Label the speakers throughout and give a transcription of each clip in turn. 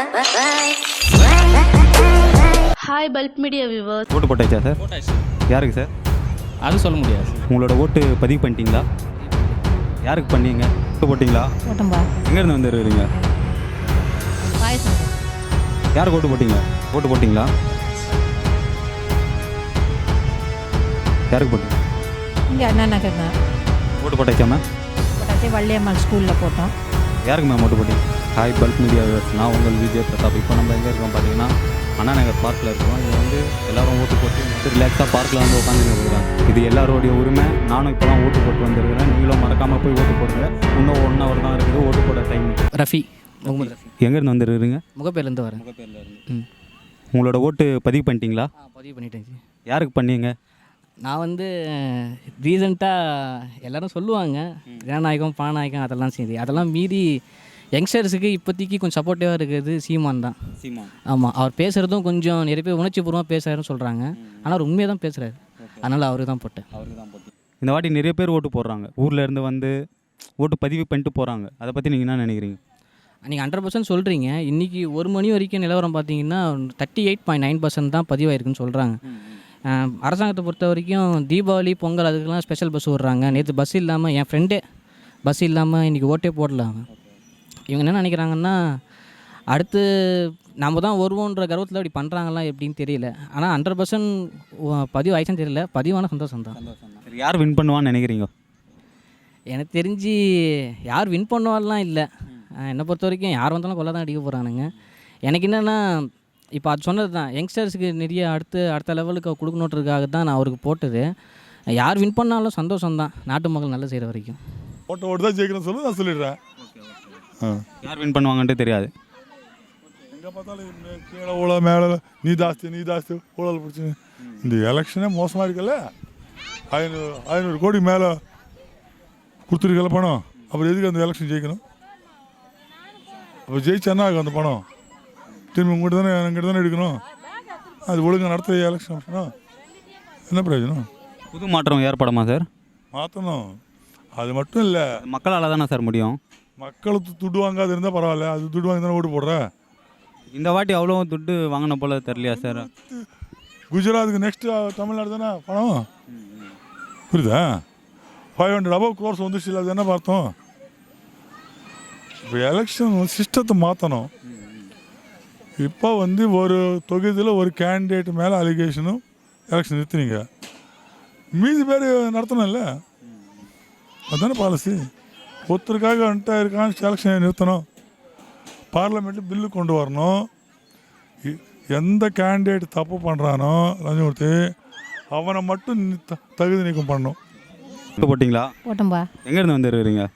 Speaker 1: Hi bulb media viewers.
Speaker 2: ஓட்டு போட்டாச்சா sir?
Speaker 3: போட்டாச்சு.
Speaker 2: யாருக்கு சார்?
Speaker 3: அது சொல்ல முடியாது.
Speaker 2: உங்களோட ஓட்டு பதிவு பண்ணிட்டீங்களா? யாருக்கு பண்ணீங்க? ஓட்டு போட்டிங்களா?
Speaker 4: போட்டோம்பா.
Speaker 2: எங்கேருந்து வந்துருக்கிறீங்க?
Speaker 4: பாயசம்.
Speaker 2: யாருக்கு ஓட்டு போட்டிங்க? ஓட்டு போட்டிங்களா? யாருக்கு போட்டீங்க?
Speaker 4: இங்கே அண்ணா நகர் தான்.
Speaker 2: ஓட்டு போட்டாச்சா மேம்?
Speaker 4: போட்டாச்சு. வள்ளியம்மாள் ஸ்கூலில் போட்டோம்.
Speaker 2: யாருக்கு மேம் ஓட்டு போட்டிங்க? ஹாய் பல்ப் மீடியா வியூவர்ஸ், நான் உங்கள் விஜய் பிரதாப். இப்போ நம்ம எங்கே இருக்கோம் பார்த்தீங்கன்னா அண்ணா நகர் பார்க்கில் இருக்கோம். இது வந்து எல்லோரும் ஓட்டு போட்டு ரிலாக்ஸாக பார்க்கில் வந்து உட்காந்துட்டு இருக்கிறாங்க. இது எல்லாரோடைய உரிமை. நானும் இப்போ தான் ஓட்டு போட்டு வந்திருக்கிறேன். நீங்களும் மறக்காமல் போய் ஓட்டு போடுங்க. இன்னும் 1 hour தான் இருக்குது ஓட்டு போட டைம்.
Speaker 3: ரஃபி, முகமது ரஃபி.
Speaker 2: எங்கேருந்து வந்துருக்கிறீங்க?
Speaker 3: முகப்பேர்லேருந்து வரேன். முகப்பேர்லேருந்து.
Speaker 2: உங்களோட ஓட்டு பதிவு பண்ணிட்டீங்களா?
Speaker 3: பதிவு பண்ணிட்டேன்.
Speaker 2: யாருக்கு பண்ணீங்க?
Speaker 3: நான் வந்து ரீசெண்டாக எல்லோரும் சொல்லுவாங்க ஜனநாயகம் பாநாயகம் அதெல்லாம் சரி, அதெல்லாம் மீறி யங்ஸ்டர்ஸுக்கு இப்போதைக்கு கொஞ்சம் சப்போர்ட்டிவாக இருக்கிறது சீமான் தான்.
Speaker 2: சீமான்.
Speaker 3: ஆமாம், அவர் பேசுகிறதும் கொஞ்சம் நிறைய பேர் உணர்ச்சிபூர்வமாக பேசுகிறாருன்னு சொல்கிறாங்க. ஆனால் அவர் உண்மையாக தான் பேசுகிறாரு. அதனால் அவருக்கு தான் போட்டேன்.
Speaker 2: இந்த வாட்டி நிறைய பேர் ஓட்டு போடுறாங்க. ஊரில் இருந்து வந்து ஓட்டு பதிவு பண்ணிட்டு போகிறாங்க. அதை பற்றி நீங்கள் என்ன நினைக்கிறீங்க?
Speaker 3: நீங்கள் 100% சொல்கிறீங்க. இன்றைக்கி 1 மணி வரைக்கும் நிலவரம் பார்த்தீங்கன்னா 38.9% தான் பதிவாயிருக்குன்னு சொல்கிறாங்க. அரசாங்கத்தை பொறுத்த வரைக்கும் தீபாவளி பொங்கல் அதுக்கெல்லாம் ஸ்பெஷல் பஸ் விட்றாங்க. நேற்று பஸ் இல்லாமல் என் ஃப்ரெண்டே பஸ் இல்லாமல் இன்றைக்கி ஓட்டே போடலாம். இவங்க என்ன நினைக்கிறாங்கன்னா அடுத்து நம்ம தான் வருவோன்ற கர்வத்தில் இப்படி பண்ணுறாங்களா எப்படின்னு தெரியல. ஆனால் 100% பதிவு ஆயிடுச்சுன்னு தெரியல. பதிவான சந்தோஷம் தான்.
Speaker 2: யார் வின் பண்ணுவான்னு நினைக்கிறீங்க?
Speaker 3: எனக்கு தெரிஞ்சு யார் வின் பண்ணுவாலாம் இல்லை. என்னை பொறுத்த வரைக்கும் யார் வந்தாலும் கொள்ள தான் அடிக்க போகிறானுங்க. எனக்கு என்னென்னா இப்போ அது சொன்னது தான், யங்ஸ்டர்ஸுக்கு நிறைய அடுத்த லெவலுக்கு கொடுக்கணுன்றதுக்காக தான் நான் அவருக்கு போட்டது. யார் வின் பண்ணாலும் சந்தோஷம்தான், நாட்டு மக்கள் நல்லா செய்கிற வரைக்கும்.
Speaker 5: ஓட்டு தான் ஜெயிக்கணும்னு சொல்லி நான் சொல்லிடுறேன்.
Speaker 2: யார் வின் பண்ணுவாங்கன்ட்டு தெரியாது.
Speaker 5: எங்கே பார்த்தாலும் கீழே ஊழல் மேலே நீ ஜாஸ்தி ஊழல் பிடிச்சி இந்த எலெக்ஷனே மோசமாக இருக்குல்ல. 500 கோடி மேலே கொடுத்துருக்கல பணம். அப்புறம் எதுக்கு அந்த எலெக்ஷன் ஜெயிக்கணும்? அப்போ ஜெயிச்சானா அந்த பணம் திரும்பி எங்கிட்ட தானே எடுக்கணும். அது ஒழுங்காக நடத்த எலெக்ஷன் என்ன பிரயோஜனம்?
Speaker 2: புது மாற்றம் ஏற்படுமா சார்?
Speaker 5: மாற்றணும். அது மட்டும் இல்லை,
Speaker 2: மக்களால் தானே சார் முடியும்.
Speaker 5: மக்களுக்கு துட்டு வாங்காது இருந்தால் பரவாயில்ல. அது துட்டு வாங்கி தானே ஓட்டு போடுற.
Speaker 2: இந்த வாட்டி அவ்வளோ துட்டு வாங்கின போல தெரியலையா சார்?
Speaker 5: குஜராத்துக்கு நெக்ஸ்ட்டு தமிழ்நாடு தானே பணம். புரியுதா? 500 above crores வந்துச்சு. இல்லை, அது என்ன பார்த்தோம்? இப்போ எலெக்ஷன் சிஸ்டத்தை மாற்றணும். இப்போ ஒரு தொகுதியில் ஒரு கேண்டிடேட் மேலே அலிகேஷனும் எலெக்ஷன் நிறுத்தினீங்க. மீதி பேர் நடத்தணும்ல. அதுதானே பாலிசி. ஒருத்தருக்காக வந்துட்டு இருக்கான்னு எலெக்ஷனை நிறுத்தணும். பார்லிமெண்ட்டில் பில்லு கொண்டு வரணும். எந்த கேண்டிடேட் தப்பு பண்ணுறானோ லஞ்சம் கொடுத்து அவனை மட்டும் தகுதி நீக்கம் பண்ணணும்.
Speaker 2: போட்டிங்களா?
Speaker 4: போட்டோம்பா.
Speaker 2: எங்கேருந்து வந்துருக்கிறீங்க?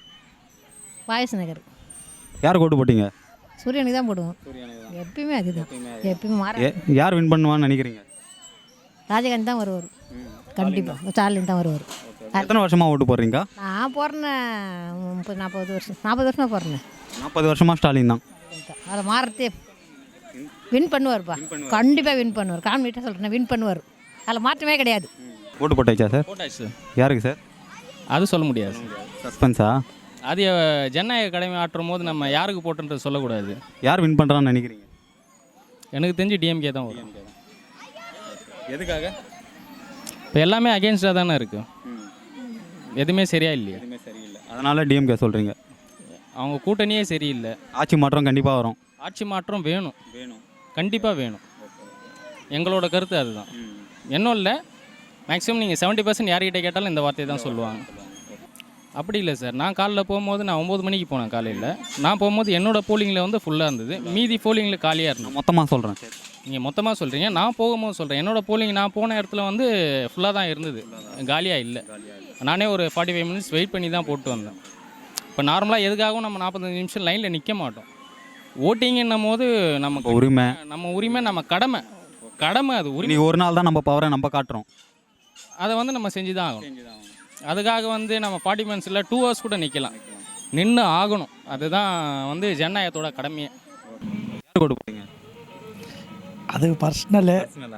Speaker 4: பாயச நகர்.
Speaker 2: யாருக்கு ஓட்டு போட்டிங்க?
Speaker 4: சூரியனுக்கு தான் போடுவோம். எப்பயுமே அதுதான். எப்பயுமே மாற.
Speaker 2: யார் வின் பண்ணுவான்னு நினைக்கிறீங்க?
Speaker 4: ராஜகாந்த் தான் வருவார். கண்டிப்பாக ஸ்டாலின் தான் வருவார்.
Speaker 2: எத்தனை வருஷமாக ஓட்டு போடுறீங்க?
Speaker 4: நான் போடுறேன் 40 வருஷமாக போடுறேன்.
Speaker 2: 40 வருஷமாக ஸ்டாலின் தான்.
Speaker 4: அதை மாறத்தே வின் பண்ணுவார்ப்பா. கண்டிப்பாக வின் பண்ணுவார். கான்ஃபிடென்ட்டாக சொல்கிறேன், வின் பண்ணுவார். அதில் மாற்றமே கிடையாது.
Speaker 2: ஓட்டு போட்டாச்சா சார்?
Speaker 3: போட்டாச்சு.
Speaker 2: யாருக்கு சார்?
Speaker 3: அது சொல்ல முடியாது.
Speaker 2: சஸ்பென்ஸா?
Speaker 3: அது ஜனநாயக கடமை ஆற்றும் போது நம்ம யாருக்கு போட்டுன்றது சொல்லக்கூடாது.
Speaker 2: யார் வின் பண்ணுறான்னு நினைக்கிறீங்க?
Speaker 3: எனக்கு தெரிஞ்சு டிஎம்கே தான் வரும். எதுக்காக? இப்போ எல்லாமே அகெயின்ஸ்டாக தானே இருக்குது. எதுவுமே சரியா இல்லையா?
Speaker 2: அதனால் டிஎம்கே சொல்கிறீங்க.
Speaker 3: அவங்க கூட்டணியே சரியில்லை.
Speaker 2: ஆட்சி மாற்றம் கண்டிப்பாக வரும்.
Speaker 3: ஆட்சி மாற்றம் வேணும், கண்டிப்பாக வேணும். எங்களோட கருத்து அதுதான். இன்னும் இல்லை, மேக்ஸிமம் நீங்கள் 70% யார்கிட்ட கேட்டாலும் இந்த வார்த்தையை தான் சொல்லுவாங்க. அப்படி இல்லை சார். நான் காலைல போகும்போது நான் 9 மணிக்கு போனேன். காலையில் நான் போகும்போது என்னோடய போலிங்கில் ஃபுல்லாக இருந்தது. மீதி போலிங்கில் காலியாக இருந்தது.
Speaker 2: மொத்தமாக சொல்கிறேன்.
Speaker 3: நீங்கள் மொத்தமாக சொல்கிறீங்க, நான் போகும்போது சொல்கிறேன். என்னோடய போலிங் நான் போன இடத்துல ஃபுல்லாக தான் இருந்தது, காலியாக இல்லை. நானே ஒரு 45 minutes வெயிட் பண்ணி தான் போட்டு வந்தேன். இப்போ நார்மலாக எதுக்காகவும் நம்ம 45 நிமிஷம் லைனில் நிற்க மாட்டோம். ஓட்டிங்கன்னும் போது நமக்கு
Speaker 2: உரிமை,
Speaker 3: நம்ம கடமை அது உரிமை.
Speaker 2: ஒரு நாள் தான் நம்ம பவரை நம்ம காட்டுறோம்.
Speaker 3: அதை நம்ம செஞ்சு தான் ஆகணும். அதுக்காக நம்ம 40 minutes இல்லை 2 hours கூட நிற்கலாம், நின்று ஆகணும். அதுதான் ஜனநாயகத்தோட கடமையே.
Speaker 2: யார் கொண்டு போட்டீங்க?
Speaker 6: அது பர்சனலு.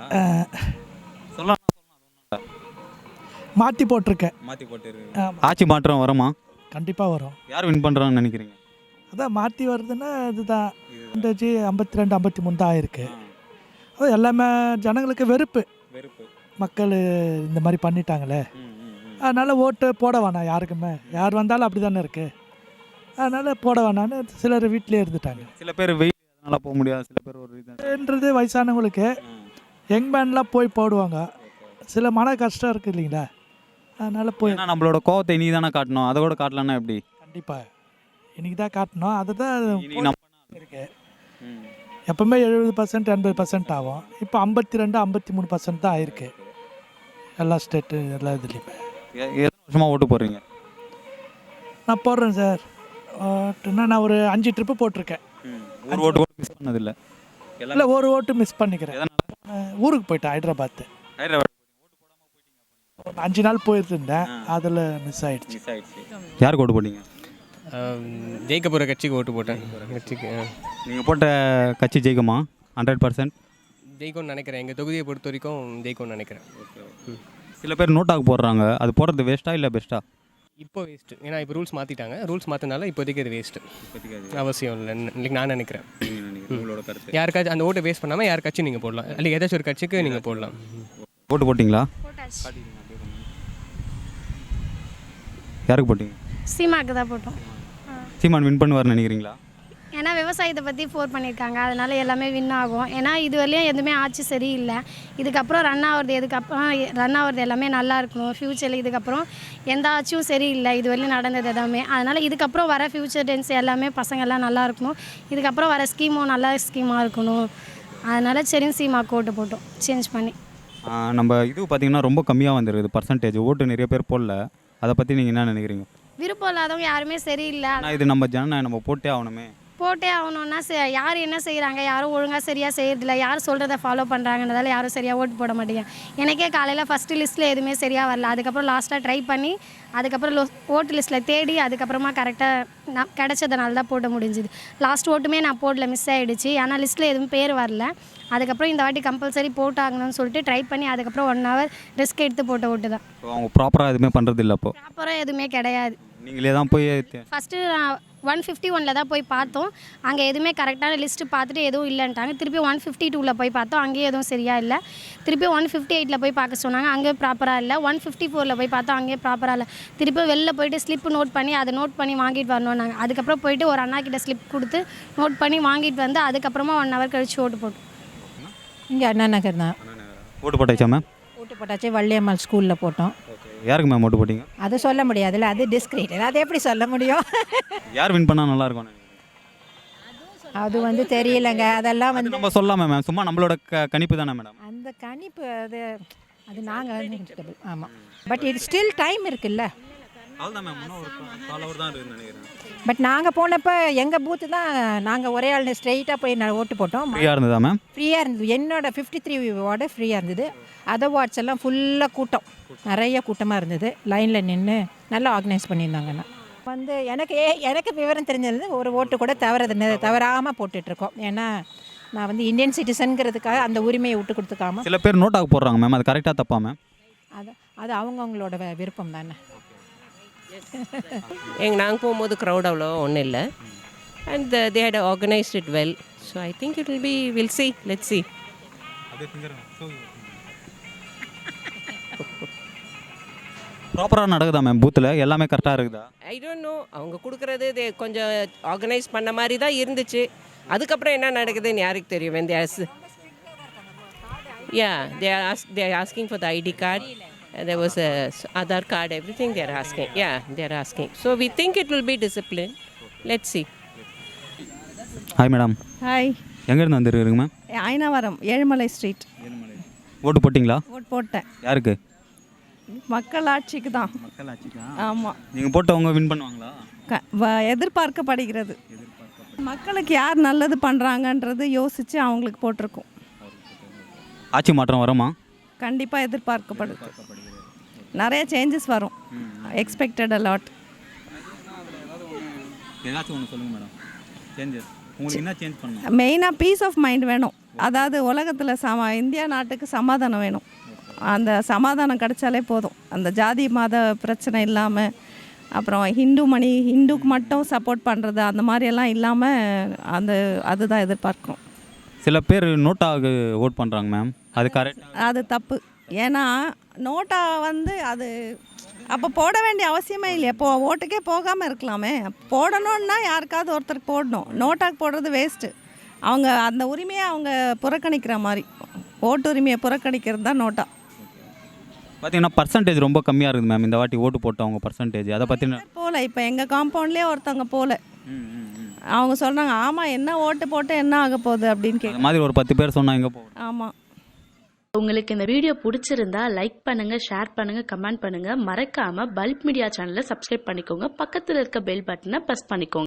Speaker 6: மாற்றி போட்டிருக்கேன்.
Speaker 2: ஆட்சி மாற்றம் வருமா?
Speaker 6: கண்டிப்பாக வரும்.
Speaker 2: யார் வின் பண்ணுறான்னு நினைக்கிறீங்க?
Speaker 6: அதான் மாற்றி வருதுன்னா இதுதான் இந்த 52 53 தான் ஆயிருக்கு. அது எல்லாமே ஜனங்களுக்கு வெறுப்பு. மக்கள் இந்த மாதிரி பண்ணிட்டாங்களே, அதனால் ஓட்டு போட வேணாம் யாருக்குமே. யார் வந்தாலும் அப்படி தானே இருக்குது, அதனால் போட வேணான்னு சிலர் வீட்டிலே இருந்துட்டாங்க.
Speaker 2: சில பேர் வெயில் அதனால் போக முடியாது, சில பேர் ஒரு
Speaker 6: ன்றது வயசானவங்களுக்கு. யங் மேன்லாம் போய் போடுவாங்க. சில மன கஷ்டம் இருக்குது இல்லைங்களா, அதனால் போய்.
Speaker 2: ஏன்னா நம்மளோட கோவத்தை இனி தானே காட்டணும், அதை கூட காட்டலன்னா எப்படி?
Speaker 6: கண்டிப்பாக இன்றைக்கி தான் காட்டணும். அதை தான்
Speaker 2: இனி நம்ம
Speaker 6: இருக்கு. எப்பவுமே 70% 80% ஆகும். இப்போ 52 53% தான் ஆயிருக்கு எல்லா ஸ்டேட்டு எல்லா இதுலேயுமே.
Speaker 2: எத்தனை வருஷமாக ஓட்டு போடுறீங்க?
Speaker 6: நான் போடுறேன் சார். ஓட்டுன்னா நான் ஒரு 5 ட்ரிப்பு போட்டிருக்கேன்.
Speaker 2: ஒரு ஓட்டு கூட மிஸ் பண்ணதில்லை?
Speaker 6: இல்லை, ஒரு ஓட்டு மிஸ் பண்ணிக்கிறேன். ஊருக்கு போயிட்டேன் ஹைதராபாத்து. 5 நாள் போயிருந்தேன், அதில் மிஸ் ஆகிடுச்சு.
Speaker 2: யாருக்கு ஓட்டு போட்டீங்க?
Speaker 1: ஜெயிக்க போகிற கட்சிக்கு ஓட்டு போட்டேன். கட்சிக்கு
Speaker 2: நீங்கள் போட்ட கட்சி ஜெயிக்குமா? 100%
Speaker 1: ஜெயிக்கும்னு நினைக்கிறேன். எங்கள் தொகுதியை பொறுத்த வரைக்கும் ஜெயிக்கும்னு நினைக்கிறேன்.
Speaker 2: சில பேர் நோட்டாக்கு போடுறாங்க, அது போடுறது வேஸ்ட்டா இல்லை பெஸ்ட்டா?
Speaker 1: இப்போ வேஸ்ட்டு. ஏன்னா இப்போ ரூல்ஸ் மாற்றிட்டாங்க. ரூல்ஸ் மாற்றினால இப்போதைக்கு அது வேஸ்ட்டு, அவசியம் இல்லைன்னு நான் நினைக்கிறேன். யாருக்காச்சும் அந்த ஓட்டை வேஸ்ட் பண்ணாமல் யாருக்காச்சும் நீங்கள் போடலாம், இல்லை ஏதாச்சும் ஒரு கட்சிக்கு நீங்கள் போடலாம்.
Speaker 2: ஓட்டு போட்டிங்களா? யாருக்கு போட்டீங்க?
Speaker 7: சீமாக்கு தான் போட்டோம்.
Speaker 2: சீமான் வின் பண்ணுவார்னு நினைக்கிறீங்களா?
Speaker 7: ஏன்னா விவசாயத்தை பற்றி ஃபோர் பண்ணியிருக்காங்க, அதனால எல்லாமே வின் ஆகும். ஏன்னா இது வரையும் எதுவுமே ஆட்சி சரியில்லை. இதுக்கப்புறம் ரன் ஆகிறது எல்லாமே நல்லா இருக்கணும். ஃப்யூச்சரில் இதுக்கப்புறம் எந்த ஆட்சியும் சரியில்லை இது வரையும் நடந்தது எல்லாமே. அதனால் இதுக்கப்புறம் வர ஃப்யூச்சர் டென்ஸ் எல்லாமே பசங்கள்லாம் நல்லா இருக்கணும். இதுக்கப்புறம் வர ஸ்கீமும் நல்ல ஸ்கீமாக இருக்கணும். அதனால் சரின்னு சீமாக்கு ஓட்டு போட்டோம் சேஞ்ச் பண்ணி.
Speaker 2: நம்ம இது பார்த்திங்கன்னா ரொம்ப கம்மியாக வந்துருக்குது பர்சன்டேஜ். ஓட்டு நிறைய பேர் போடல, அதை பற்றி நீங்கள் என்ன நினைக்கிறீங்க?
Speaker 7: விருப்பம் இல்லாதவங்க யாருமே சரியில்லை.
Speaker 2: ஆனால் இது நம்ம ஜனநாயகம், நம்ம போட்டே ஆகணுமே.
Speaker 7: போட்டே ஆகணும்னா யார் என்ன செய்கிறாங்க, யாரும் ஒழுங்காக சரியாக செய்யறதில்ல, யார் சொல்கிறத ஃபாலோ பண்ணுறாங்கன்றதால யாரும் சரியாக ஓட்டு போட மாட்டேங்க. எனக்கே காலையில் ஃபஸ்ட்டு லிஸ்ட்டில் எதுவுமே சரியாக வரல. அதுக்கப்புறம் லாஸ்ட்டாக ட்ரை பண்ணி அதுக்கப்புறம் ஓட்டு லிஸ்ட்டில் தேடி அதுக்கப்புறமா கரெக்டாக நான் கிடச்சதுனால தான் போட முடிஞ்சுது. லாஸ்ட் ஓட்டுமே நான் போடல, மிஸ் ஆகிடுச்சு. ஆனால் லிஸ்ட்டில் எதுவும் பேர் வரல. அதுக்கப்புறம் இந்த வாட்டி கம்பல்சரி போட்டாங்கன்னு சொல்லிட்டு ட்ரை பண்ணி அதுக்கப்புறம் 1 hour ரிஸ்க் எடுத்து போட்ட ஓட்டு தான்.
Speaker 2: அவங்க ப்ராப்பராக எதுவுமே பண்ணுறது இல்லை. அப்போ
Speaker 7: ப்ராப்பராக எதுவுமே கிடையாது.
Speaker 2: நீங்களே தான் போய்
Speaker 7: ஃபஸ்ட்டு 151 தான் போய் பார்த்தோம். அங்கே எதுவுமே கரெக்டான லிஸ்ட்டு பார்த்துட்டு எதுவும் இல்லைன்ட்டாங்க. திருப்பி 152 போய் பார்த்தோம், அங்கேயும் எதுவும் சரியாக இல்லை. திருப்பி 158 போய் பார்க்க சொன்னாங்க, அங்கே ப்ராப்பராக இல்லை. 154 போய் பார்த்தோம், அங்கேயும் ப்ராப்பராக இல்லை. திருப்பி வெளில போயிட்டு ஸ்லிப்பு நோட் பண்ணி அதை நோட் பண்ணி வாங்கிட்டு வரணும் நாங்கள். அதுக்கப்புறம் போயிட்டு ஒரு அண்ணா கிட்ட ஸ்லிப் கொடுத்து நோட் பண்ணி வாங்கிட்டு வந்து அதுக்கப்புறமா 1 hour கழிச்சு ஓட்டு போட்டோம்.
Speaker 8: இங்கே அண்ணா நகர் தான்.
Speaker 2: ஓட்டு போட்டாச்சா மேம்?
Speaker 8: ஓட்டு போட்டாச்சு. வள்ளியம்மாள் ஸ்கூலில் போட்டோம்.
Speaker 2: யாருக்கு மேம் ஓட்டு போட்டிங்க?
Speaker 8: அது சொல்ல முடியாதுல்ல, அது டிஸ்கிரீட். அது எப்படி சொல்ல முடியும்?
Speaker 2: யார் வின் பண்ணால் நல்லாயிருக்கும்?
Speaker 8: அது வந்து தெரியலங்க. அதெல்லாம் வந்து
Speaker 2: நம்ம சொல்லாமே மேம், சும்மா நம்மளோட கணிப்பு தானே மேடம்.
Speaker 8: அந்த கணிப்பு அது நாங்கள் ஆமாம். பட் இது ஸ்டில் டைம் இருக்குல்ல.
Speaker 2: அவ்வளோதான் மேம், இன்னும் ஒரு 4 hour தான் இருக்குன்னு நினைக்கிறேன்.
Speaker 8: பட் நாங்கள் போனப்போ எங்கள் பூத்து தான் நாங்கள் ஒரே ஆள் ஸ்ட்ரெயிட்டாக போய் ஓட்டு போட்டோம்.
Speaker 2: ஃப்ரீயாக இருந்ததா மேம்?
Speaker 8: ஃப்ரீயாக இருந்தது. என்னோட 53 வார்டு ஃப்ரீயாக இருந்தது. அதர் வார்ட்ஸ் எல்லாம் ஃபுல்லாக கூட்டம், நிறைய கூட்டமாக இருந்தது. லைனில் நின்று நல்லா ஆர்கனைஸ் பண்ணியிருந்தாங்கண்ணா. வந்து எனக்கு விவரம் தெரிஞ்சது ஒரு ஓட்டு கூட தவறாமல் போட்டுட்ருக்கோம். ஏன்னா நான் வந்து இந்தியன் சிட்டிசனுங்கிறதுக்காக அந்த உரிமையை விட்டு கொடுத்துக்காம.
Speaker 2: சில பேர் நோட்டாக போடுறாங்க மேம், அது கரெக்டாக தப்பா மேம்?
Speaker 8: அது அவங்கவுங்களோட விருப்பம் தானே.
Speaker 9: நாங்கள் போகும்போது க்ரௌட் அவ்வளோ ஒன்றும் இல்லை. And they had organised it well. So I think it will be will see let's see.
Speaker 2: ப்ராப்பராக நடக்குதா மேம்? பூத்தில் எல்லாமே கரெக்டாக இருக்குதா?
Speaker 9: I don't know. அவங்க கொடுக்குறது கொஞ்சம் ஆர்கனைஸ் பண்ண மாதிரி தான் இருந்துச்சு. அதுக்கப்புறம் என்ன நடக்குதுன்னு யாருக்கு தெரியும்? when they ask, yeah, they are asking for the ID card. There was a Aadhaar card, everything they are asking. Yeah, they are asking. So we think it will be discipline. Let's see.
Speaker 2: Hi madam.
Speaker 10: Hi.
Speaker 2: எங்கேருந்து வந்துருக்குங்க ma'am?
Speaker 10: Ayanavaram Ezhumalai street.
Speaker 2: ஓட்டு போட்டிங்களா?
Speaker 10: ஓட்டு போட்டேன்.
Speaker 2: யாருக்கு?
Speaker 10: மக்கள் ஆட்சிக்கு தான்.
Speaker 2: மக்கள் ஆட்சிக்கா?
Speaker 10: ஆமாம்.
Speaker 2: நீங்கள் போட்டவங்க வின் பண்ணுவாங்களா?
Speaker 10: எதிர்பார்க்கப்படுகிறது. மக்களுக்கு யார் நல்லது பண்ணுறாங்கன்றது யோசித்து அவங்களுக்கு போட்டிருக்கோம்.
Speaker 2: ஆட்சி மாற்றம் வருமா?
Speaker 10: கண்டிப்பாக எதிர்பார்க்கப்படுது. நிறைய சேஞ்சஸ் வரும். Expected a lot.
Speaker 2: ஏதாச்சும் ஒன்று சொல்லுங்கள் மேடம். சேஞ்சஸ் உங்களுக்கு என்ன சேஞ்ச் பண்ணணும்?
Speaker 10: மெயினாக பீஸ் ஆஃப் மைண்ட் வேணும். அதாவது உலகத்தில் இந்தியா நாட்டுக்கு சமாதானம் வேணும். அந்த சமாதானம் கிடைச்சாலே போதும். அந்த ஜாதி மத பிரச்சனை இல்லாமல் அப்புறம் ஹிந்துக்கு மட்டும் சப்போர்ட் பண்ணுறது அந்த மாதிரியெல்லாம் இல்லாமல் அதுதான் எதிர்பார்க்குறோம்.
Speaker 2: சில பேர் நோட்டாவுக்கு ஓட் பண்ணுறாங்க மேம், அது கரெக்ட்?
Speaker 10: அது தப்பு. ஏன்னா நோட்டா அது அப்போ போட வேண்டிய அவசியமே இல்லையா? ஓட்டுக்கே போகாமல் இருக்கலாமே. போடணுன்னா யாருக்காவது ஒருத்தருக்கு போடணும். நோட்டாக்கு போடுறது வேஸ்ட்டு. அவங்க அந்த உரிமையை அவங்க புறக்கணிக்கிற மாதிரி, ஓட்டு உரிமையை புறக்கணிக்கிறது தான் நோட்டா.
Speaker 2: பார்த்தீங்கன்னா பர்சன்டேஜ் ரொம்ப கம்மியாக இருக்குது மேம் இந்த வாட்டி ஓட்டு போட்டவங்க பர்சன்டேஜ். அதை பற்றி
Speaker 10: போகல. இப்போ எங்கள் காம்பவுண்ட்லேயே ஒருத்தவங்க போகல. அவங்க சொல்கிறாங்க ஆமாம் என்ன ஓட்டு போட்டு என்ன ஆக போகுது அப்படின்னு
Speaker 2: அந்த மாதிரி ஒரு 10 பேர் சொன்னால் எங்கே போகும்?
Speaker 10: ஆமாம்.
Speaker 11: உங்களுக்கு இந்த வீடியோ பிடிச்சிருந்தா லைக் பண்ணுங்க, ஷேர் பண்ணுங்க, கமெண்ட் பண்ணுங்க. மறக்காம பல்ப் மீடியா சேனலை சப்ஸ்கிரைப் பண்ணிக்கோங்க. பக்கத்தில் இருக்க பெல் பட்டனை ப்ரெஸ் பண்ணிக்கோங்க.